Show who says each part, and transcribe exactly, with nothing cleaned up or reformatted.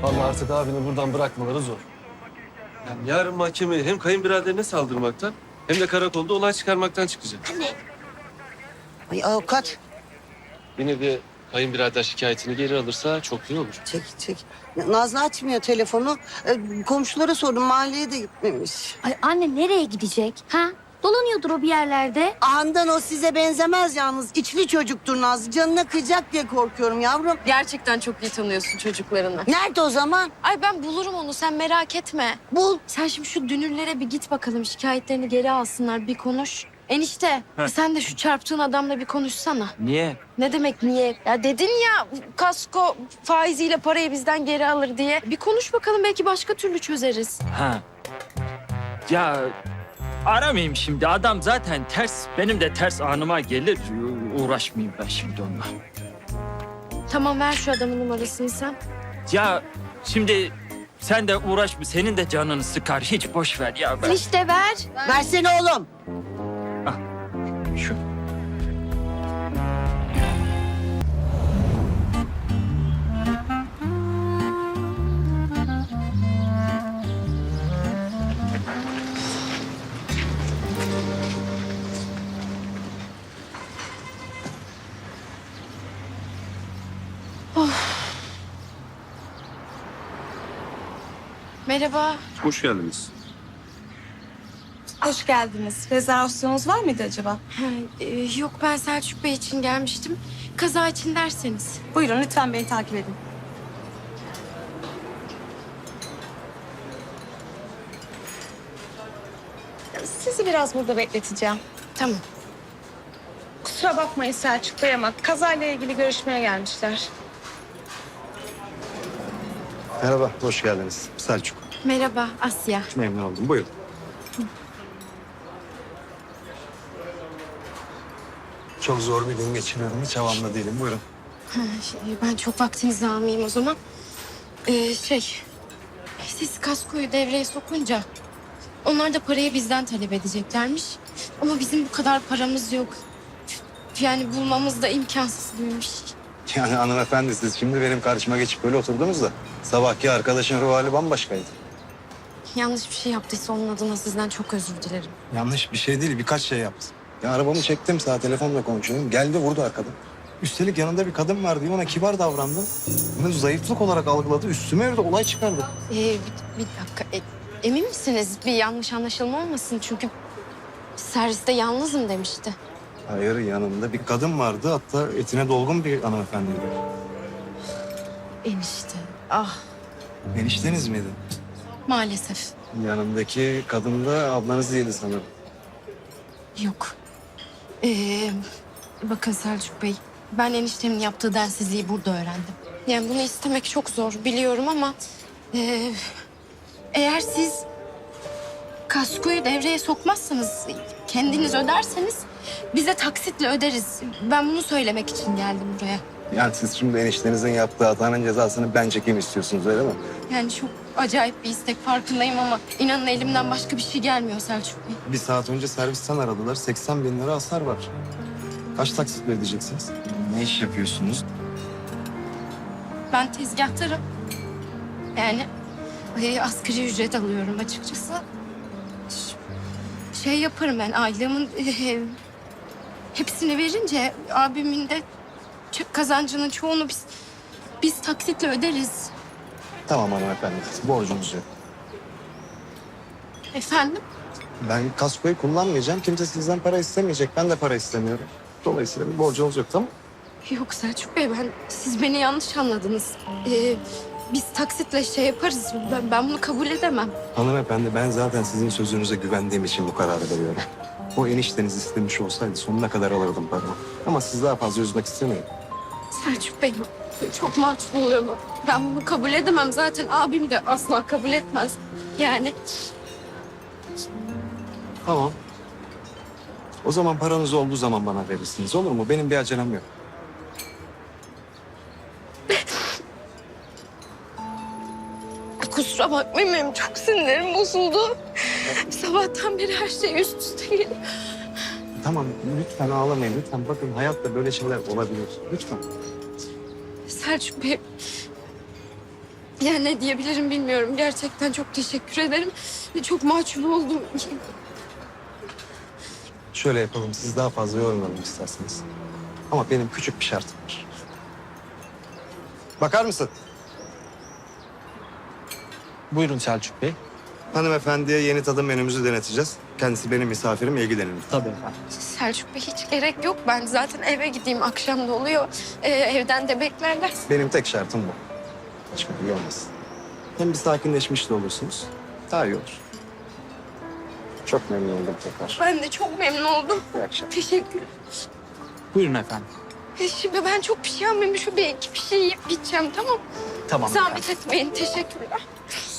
Speaker 1: Vallahi artık abini buradan bırakmaları zor. Yani yarın mahkemeye hem kayınbiraderine saldırmaktan hem de karakolda olay çıkarmaktan çıkacak.
Speaker 2: Ay avukat.
Speaker 1: Yine de kayınbirader şikayetini geri alırsa çok iyi olur.
Speaker 2: Çek çek. Ya, Nazlı açmıyor telefonu. Ee, komşulara sordum, mahalleye de gitmemiş.
Speaker 3: Ay anne nereye gidecek? Ha? Dolanıyordur o bir yerlerde.
Speaker 2: Andan o size benzemez yalnız. İçli çocuktur Nazlı. Canına kıyacak diye korkuyorum yavrum.
Speaker 4: Gerçekten çok iyi tanıyorsun çocuklarını.
Speaker 2: Nerede o zaman?
Speaker 4: Ay ben bulurum onu, sen merak etme.
Speaker 2: Bul.
Speaker 4: Sen şimdi şu dünürlere bir git bakalım, şikayetlerini geri alsınlar, bir konuş. Enişte sen de şu çarptığın adamla bir konuşsana.
Speaker 5: Niye?
Speaker 4: Ne demek niye? Ya dedin ya kasko faiziyle parayı bizden geri alır diye. Bir konuş bakalım, belki başka türlü çözeriz.
Speaker 5: Ha. Ya aramayayım şimdi. Adam zaten ters. Benim de ters anıma gelir. Uğraşmayayım ben şimdi onunla.
Speaker 4: Tamam, ver şu adamın numarasını sen.
Speaker 5: Ya şimdi sen de uğraşma. Senin de canını sıkar. Hiç boş ver ya. Ben...
Speaker 4: İşte ver.
Speaker 2: Versene oğlum.
Speaker 5: Şu.
Speaker 4: Merhaba.
Speaker 6: Hoş geldiniz.
Speaker 7: Hoş geldiniz. Rezervasyonunuz var mıydı acaba?
Speaker 4: Ha, e, yok, ben Selçuk Bey için gelmiştim. Kaza için derseniz.
Speaker 7: Buyurun lütfen beni takip edin. Sizi biraz burada bekleteceğim.
Speaker 4: Tamam.
Speaker 7: Kusura bakmayın Selçuk Bey ama kazayla ilgili görüşmeye gelmişler.
Speaker 8: Merhaba, hoş geldiniz. Selçuk.
Speaker 4: Merhaba Asya.
Speaker 8: Memnun oldum. Buyurun. Çok zor bir gün geçiriyorum. Hiç havamda değilim. Buyurun.
Speaker 4: Ha, şey, ben çok vaktinizi almayayım o zaman. Ee, şey, siz kaskoyu devreye sokunca onlar da parayı bizden talep edeceklermiş. Ama bizim bu kadar paramız yok. Yani bulmamız da imkansız gibi bir şey.
Speaker 8: Yani hanımefendi siz şimdi benim karşıma geçip böyle oturdunuz da sabahki arkadaşın ruh hali bambaşkaydı.
Speaker 4: Yanlış bir şey yaptıysa onun adına sizden çok özür dilerim.
Speaker 8: Yanlış bir şey değil, birkaç şey yaptı. Ya arabamı çektim, sağ telefonla konuşuyorum. Geldi vurdu arkadan. Üstelik yanında bir kadın var diye ona kibar davrandım. Bunu zayıflık olarak algıladı. Üstüme yürüdü, olay çıkardı.
Speaker 4: Ee, bir, bir dakika. E, emin misiniz? Bir yanlış anlaşılma olmasın. Çünkü serviste yalnızım demişti.
Speaker 8: Hayır, yanında bir kadın vardı. Hatta etine dolgun bir hanımefendiydi.
Speaker 4: Enişte. Ah,
Speaker 8: Enişteniz miydi?
Speaker 4: maalesef.
Speaker 8: Yanındaki kadın da ablanız değildi sanırım.
Speaker 4: Yok. Ee, bakın Selçuk Bey, ben eniştemin yaptığı densizliği burada öğrendim. Yani bunu istemek çok zor biliyorum ama... ee, eğer siz kaskoyu devreye sokmazsanız, kendiniz öderseniz biz de taksitle öderiz. Ben bunu söylemek için geldim buraya.
Speaker 8: Yani siz şimdi eniştenizin yaptığı hatanın cezasını ben çekeyim istiyorsunuz, öyle mi?
Speaker 4: Yani çok acayip bir istek, farkındayım ama inanın elimden başka bir şey gelmiyor Selçuk Bey.
Speaker 8: Bir saat önce servisten aradılar. seksen bin lira hasar var. Kaç taksit ödeyeceksiniz? Ne iş yapıyorsunuz?
Speaker 4: Ben tezgahtarım. Yani e, asgari ücret alıyorum açıkçası. Ş- Şey yaparım ben, aylığımın e, hepsini verince abimin de ç- kazancının çoğunu biz biz taksitle öderiz.
Speaker 8: Tamam hanımefendi, borcunuz yok.
Speaker 4: Efendim?
Speaker 8: Ben kaskoyu kullanmayacağım. Kimse sizden para istemeyecek. Ben de para istemiyorum. Dolayısıyla bir borcunuz yok, tamam mı?
Speaker 4: Yok Selçuk Bey, ben siz beni yanlış anladınız. Ee, biz taksitle şey yaparız. Ben, ben bunu kabul edemem.
Speaker 8: Hanımefendi, ben zaten sizin sözünüze güvendiğim için bu kararı veriyorum. O enişteniz istemiş olsaydı sonuna kadar alırdım paramı. Ama siz daha fazla üzmek istemiyorum.
Speaker 4: Selçuk Bey, çok mahcup oluyorum. Ben bunu kabul edemem. Zaten abim de asla kabul etmez. Yani
Speaker 8: Tamam. O zaman paranız olduğu zaman bana verirsiniz, olur mu? Benim bir acelem yok.
Speaker 4: kusura bakmayın, benim çok sinirlerim bozuldu. Sabahtan beri her şey üst üste geliyor.
Speaker 8: Tamam, lütfen ağlamayın. Lütfen bakın, hayatta böyle şeyler olabilir. Lütfen.
Speaker 4: Selçuk Bey, Ya ne diyebilirim bilmiyorum. Gerçekten çok teşekkür ederim. Çok mahcup oldum.
Speaker 8: Şöyle yapalım, siz daha fazla yormayalım isterseniz. Ama benim küçük bir şartım var. Bakar mısın?
Speaker 6: Buyurun Selçuk Bey.
Speaker 8: Hanımefendiye yeni tadım menümüzü deneteceğiz. Kendisi benim misafirim, ilgilenin.
Speaker 6: Tabii efendim.
Speaker 4: Selçuk Bey hiç gerek yok. Ben zaten eve gideyim. Akşam da oluyor. Ee, evden de beklerler.
Speaker 8: Benim tek şartım bu. Başka bir olmasın. Hem bir sakinleşmiş de olursunuz. Daha iyi olur. Çok memnun oldum tekrar.
Speaker 4: Ben de çok memnun oldum.
Speaker 8: İyi akşamlar.
Speaker 4: Teşekkür.
Speaker 6: Buyurun efendim.
Speaker 4: E, Şimdi ben çok bir şey almayayım. Şu bir iki bir şey yiyip gideceğim, tamam mı?
Speaker 6: Tamam.
Speaker 4: Zahmet etmeyin. Teşekkürler.